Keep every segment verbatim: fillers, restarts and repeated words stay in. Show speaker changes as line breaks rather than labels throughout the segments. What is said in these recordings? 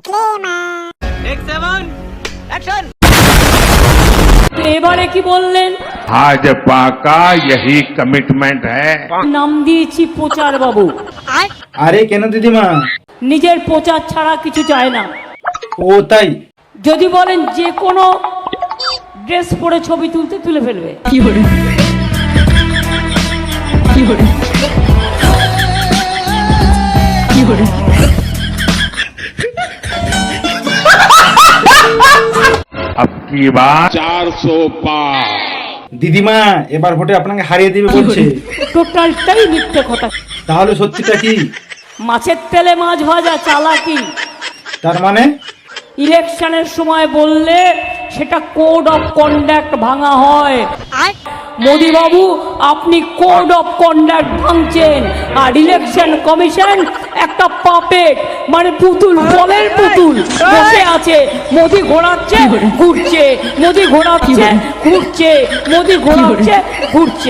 এবারে কি বললেন?
भाजपा का यही कमिटमेंट है।
নাম দিয়েছি প্রচার বাবু।
আরে কেন দিদিমা?
নিজের প্রচার ছাড়া কিছু চায় না।
ও তাই?
যদি বলেন যে কোনো ড্রেস পরে ছবি তুলতে তুলে ফেলবে।
কি করে কি করে কি করে
अब की बात चार सौ पार।
দিদিমা এবার ভোটে আপনাকে হারিয়ে দিবে বলছে।
টোটালটাই মিথ্যে কথা।
তাহলে সত্যিটা কি?
মাছের তেলে মাছ ভাজা চালাকি।
তার মানে
ইলেকশনের সময় বললে সেটা কোড অফ কন্ডাক্ট ভাঙা হয়। মোদি বাবু আপনি কোড অফ কন্ডাক্ট ভাঙছেন, আর ইলেকশন কমিশন একটা পাপেট মানে পুতুল, বলের পুতুল বসে আছে। মোদি ঘোরাচ্ছে ঘুরছে, মোদি ঘোরাচ্ছে ঘুরছে, মোদি ঘোরাচ্ছে ঘুরছে।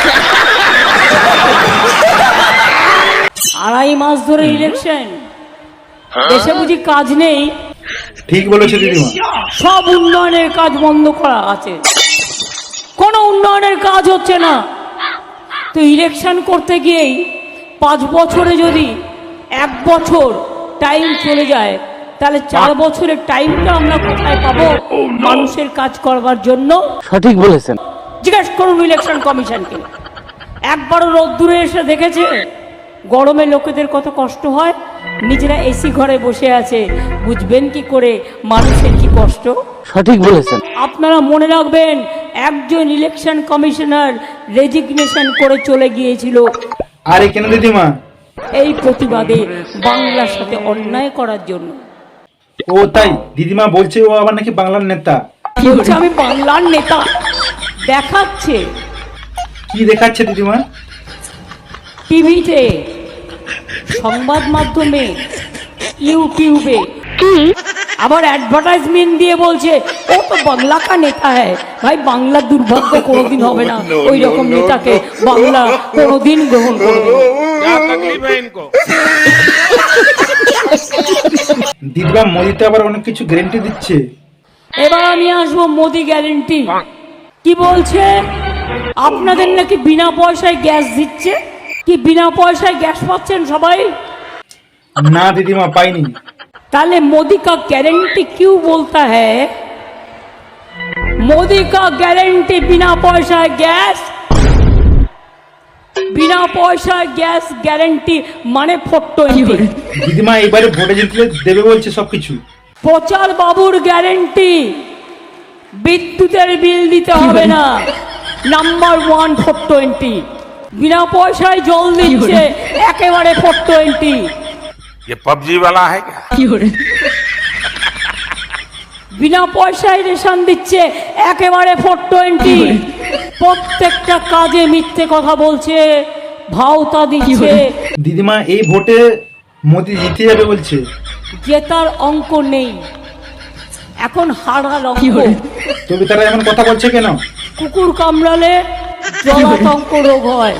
আড়াই মাস ধরে ইলেকশন, দেশে বুঝি কাজ নেই?
ঠিক বলেছে দিদিমা।
সব উন্নয়নের কাজ বন্ধ করা আছে, কোনো উন্নয়নের কাজ হচ্ছে না। তো ইলেকশন করতে গিয়েই পাঁচ বছরে যদি এক বছর টাইম চলে যায়, তাহলে চার বছরের টাইমটা আমরা কোথায় পাবো মানুষের কাজ করবার জন্য?
সঠিক বলেছেন।
জিজ্ঞেস করুন ইলেকশন কমিশনকে, একবারও রোদ্দুরে এসে দেখেছে গরমে লোকেদের কত কষ্ট হয়? নিজেরা এসি ঘরে বসে আছে, বুঝবেন কি করে মানুষের কি কষ্ট?
সঠিক বলেছেন।
আপনারা মনে রাখবেন, একজন ইলেকশন কমিশনার রেজিগনেশন করে চলে গিয়েছিল।
আরে কেন দিদিমা?
এই প্রতিবাদে বাংলার সাথে অন্যায় করার জন্য।
ও তাই? দিদিমা বলছে ও আবার নাকি বাংলার নেতা।
বলছে আমি বাংলার নেতা, দেখাচ্ছে।
কি দেখাচ্ছে দিদিমা?
টিভিতে, সংবাদ মাধ্যমে, ইউটিউবে, আবার অ্যাডভার্টাইজমেন্ট দিয়ে বলছে ও তো বাংলা কা নেতা হ্যায়। ভাই বাংলার দুর্ভাগ্য কোনোদিন হবে না, ওই রকম নেতাকে বাংলা কোনোদিন গ্রহণ করবে না।
দিদিমা মোদি তো আবার অনেক কিছু গ্যারেন্টি দিচ্ছে।
এবার আমি আসবো মোদি গ্যারেন্টি কি বলছে। আপনাদের নাকি বিনা পয়সায় গ্যাস দিচ্ছে। কি বিনা পয়সায় গ্যাস পাচ্ছেন সবাই?
না দিদিমা পাইনি।
তাহলে मोदी का गारंटी क्यों बोलता है? मोदी का गारंटी बिना पैसा गैस, बिना पैसा गैस गारंटी মানে ফটো।
দিদিমা এবারে ভোটে জিতলে দেবে বলছে সবকিছু।
প্রচার বাবুর গ্যারেন্টি বিদ্যুতের বিল দিতে হবে না, নাম্বার ওয়ান ফোর টোয়েন্টি। বিনা পয়সায় জল দিচ্ছে, একেবারে ফোর টোয়েন্টি।
ये पबजी वाला है क्या?
কি করে
বিনা পয়সায় রেশন দিচ্ছে, একেবারে ফোর টোয়েন্টি। প্রত্যেকটা কাজে মিথ্যে কথা বলছে, ভাওতা দিচ্ছে।
দিদিমা এই ভোটে মোদি জিতে যাবে বলছে।
জেতার অঙ্ক নেই, এখন হারার অঙ্ক।
তবে তারা এমন কথা বলছে কেন?
কুকুর কামড়ালে জলাতঙ্ক রোগ হয়।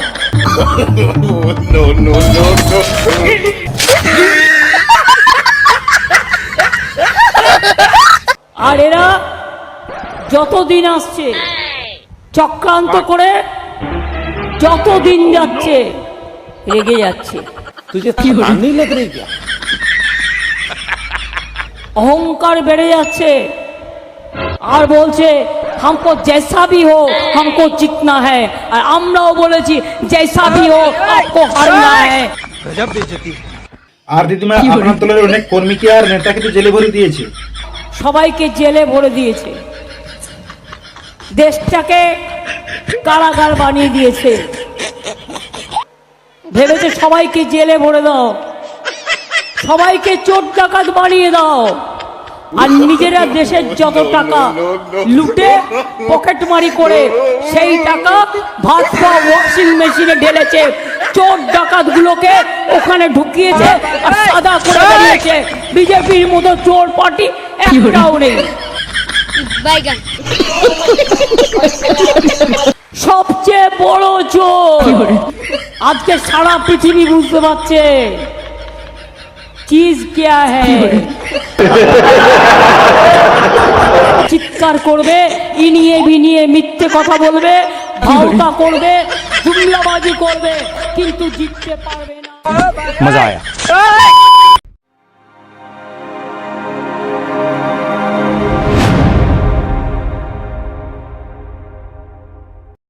আর এরা যতদিন আসছে চক্রান্ত করে, যতদিন যাচ্ছে রেগে যাচ্ছে। অহংকার বেড়ে যাচ্ছে, আর বলছে हमको जैसा भी हो हमको जीतना है। আর আমরাও বলেছি जैसा भी हो आपको हारना है।
আর দিদিমা আপনার দলের অনেক কর্মীকে আর নেতাকে তো জেলে ভরে দিয়েছে।
সবাইকে জেলে ভরে দিয়েছে, দেশটাকে কারাগার বানিয়ে দিয়েছে। ভেবেছে সবাইকে জেলে ভরে দাও, সবাইকে চোর ডাকাত বানিয়ে দাও, আর নিজেরা দেশের যত টাকা লুটে পকেটমারি করে সেই টাকা ভাত খাওয়া ওয়াশিং মেশিনে ঢেলেছে। চোর ডাকাত গুলোকে ওখানে ঢুকিয়েছে আর সাদা করে বেরিয়েছে। বিজেপির মতো চোর পার্টি একটাও নেই। সবচেয়ে বড় চোর আজকে সারা পৃথিবী বুঝতে পারছে চিজ क्या है। চিৎকার করবে, ইনিয়ে বিনিয়ে মিথ্যে কথা বলবে, ভাওতা করবে, জুমলাবাজি করবে, কিন্তু জিততে পারবে না।
মজা আয়া।